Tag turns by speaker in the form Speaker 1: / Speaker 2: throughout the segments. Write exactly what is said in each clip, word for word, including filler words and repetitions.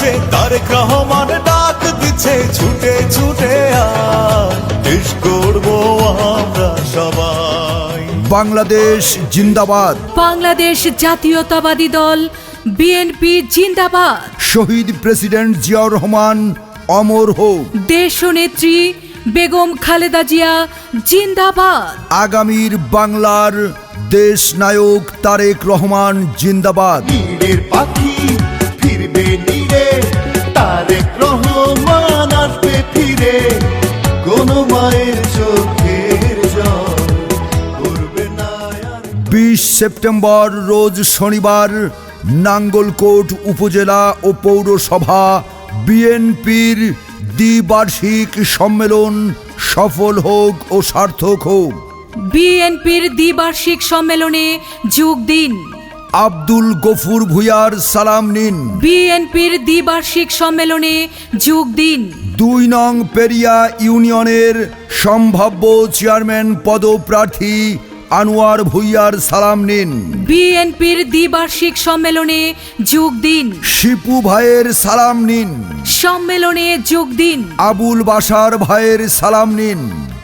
Speaker 1: বাজছে, তারেক রহমান ডাক দিচ্ছে, ছুটে ছুটে আয়, দেশ গড়বো আমরা সবাই।
Speaker 2: বাংলাদেশ জিন্দাবাদ।
Speaker 3: বাংলাদেশ জাতীয়তাবাদী দল বিএনপি জিন্দাবাদ।
Speaker 2: শহীদ প্রেসিডেন্ট জিয়াউর রহমান অমর হোক।
Speaker 3: দেশনেত্রী বেগম খালেদা জিয়া জিন্দাবাদ।
Speaker 2: আগামীর বাংলার দেশ নায়ক তারেক রহমান জিন্দাবাদ।
Speaker 1: নীড়ের পাখি ফিরবে নীড়ে, তারেক রহমান আসবে ফিরে, কোন মায়ের চোখের জল করবে না আর।
Speaker 2: বিশ সেপ্টেম্বর রোজ শনিবার নাঙ্গলকোট উপজেলা ও পৌরসভা বিএনপির দ্বিবার্ষিক সম্মেলন সফল হোক ও সার্থক হোক।
Speaker 3: বিএনপির দ্বিবার্ষিক সম্মেলনে যোগ দিন।
Speaker 2: আব্দুল গফুর ভূঁইয়ার সালাম নিন।
Speaker 3: বিএনপির দ্বিবার্ষিক সম্মেলনে যোগ দিন।
Speaker 2: দুই নং পেরিয়া ইউনিয়নের সম্ভাব্য চেয়ারম্যান পদপ্রার্থী আনোয়ার ভূঁইয়ার সালাম নিন।
Speaker 3: বিএনপির দ্বিবার্ষিক সম্মেলনে যোগ দিন।
Speaker 2: শিপু ভাইয়ের সালাম নিন।
Speaker 3: সম্মেলনে যোগ দিন।
Speaker 2: আবুল বাশার ভাইয়ের সালাম নিন।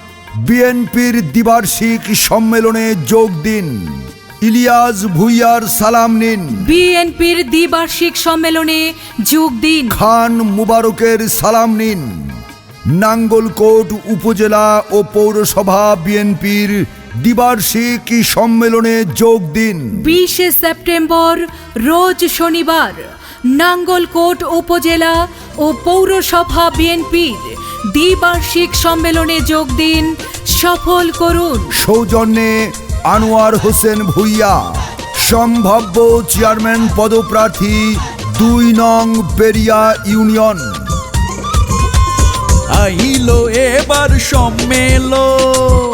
Speaker 2: বিএনপির দ্বিবার্ষিক সম্মেলনে যোগ দিন। ইলিয়াস ভূঁইয়ার সালাম নিন।
Speaker 3: বিএনপির দ্বিবার্ষিক সম্মেলনে যোগ দিন।
Speaker 2: খান মুবারকের সালাম নিন। নাঙ্গলকোট উপজেলা ও পৌরসভা বিএনপির দ্বিবার্ষিক সম্মেলনে যোগ দিন।
Speaker 3: বিশে সেপ্টেম্বর রোজ শনিবার নাঙ্গলকোট উপজেলা ও পৌরসভা বিএনপির দ্বিবার্ষিক সম্মেলনে যোগ দিন, সফল করুন।
Speaker 2: সৌজন্যে আনোয়ার হোসেন ভূঁইয়া, সম্ভাব্য চেয়ারম্যান পদপ্রার্থী দুই নং পেরিয়া ইউনিয়ন।
Speaker 4: আইলো এবার সম্মেলন,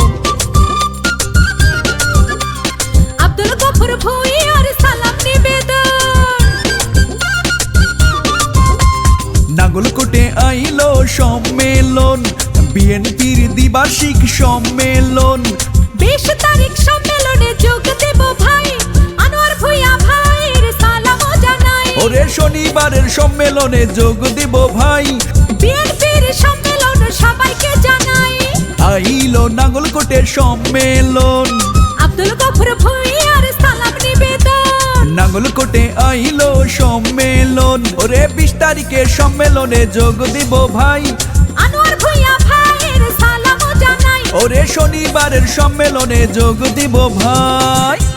Speaker 3: আব্দুল গফুর ভূঁইয়ার সালাম নিবেদন।
Speaker 4: নাঙ্গলকোটে আইলো সম্মেলন, বিএনপির দ্বিবার্ষিক সম্মেলন।
Speaker 3: বিশ তারিখ সম্মেলনে যোগ দেব ভাই, আনোয়ার ভূঁইয়া ভাইয়ের সালাম জানাই।
Speaker 4: ওরে শনিবারের সম্মেলনে যোগ দিব ভাই,
Speaker 3: বিএনপির সম্মেলন সবাইকে জানাই।
Speaker 4: আইলো নাঙ্গলকোটের সম্মেলন,
Speaker 3: আব্দুল গফুর ভূঁইয়ার সালাম নিবেদন।
Speaker 4: নাঙ্গলকোটে আইলো সম্মেলন। ওরে বিশ তারিখের সম্মেলনে যোগ দিব ভাই,
Speaker 3: আনোয়ার ভূঁইয়া ভাইয়ের সালাম জানাই।
Speaker 4: ওরে শনিবারের সম্মেলনে যোগ দিব ভাই।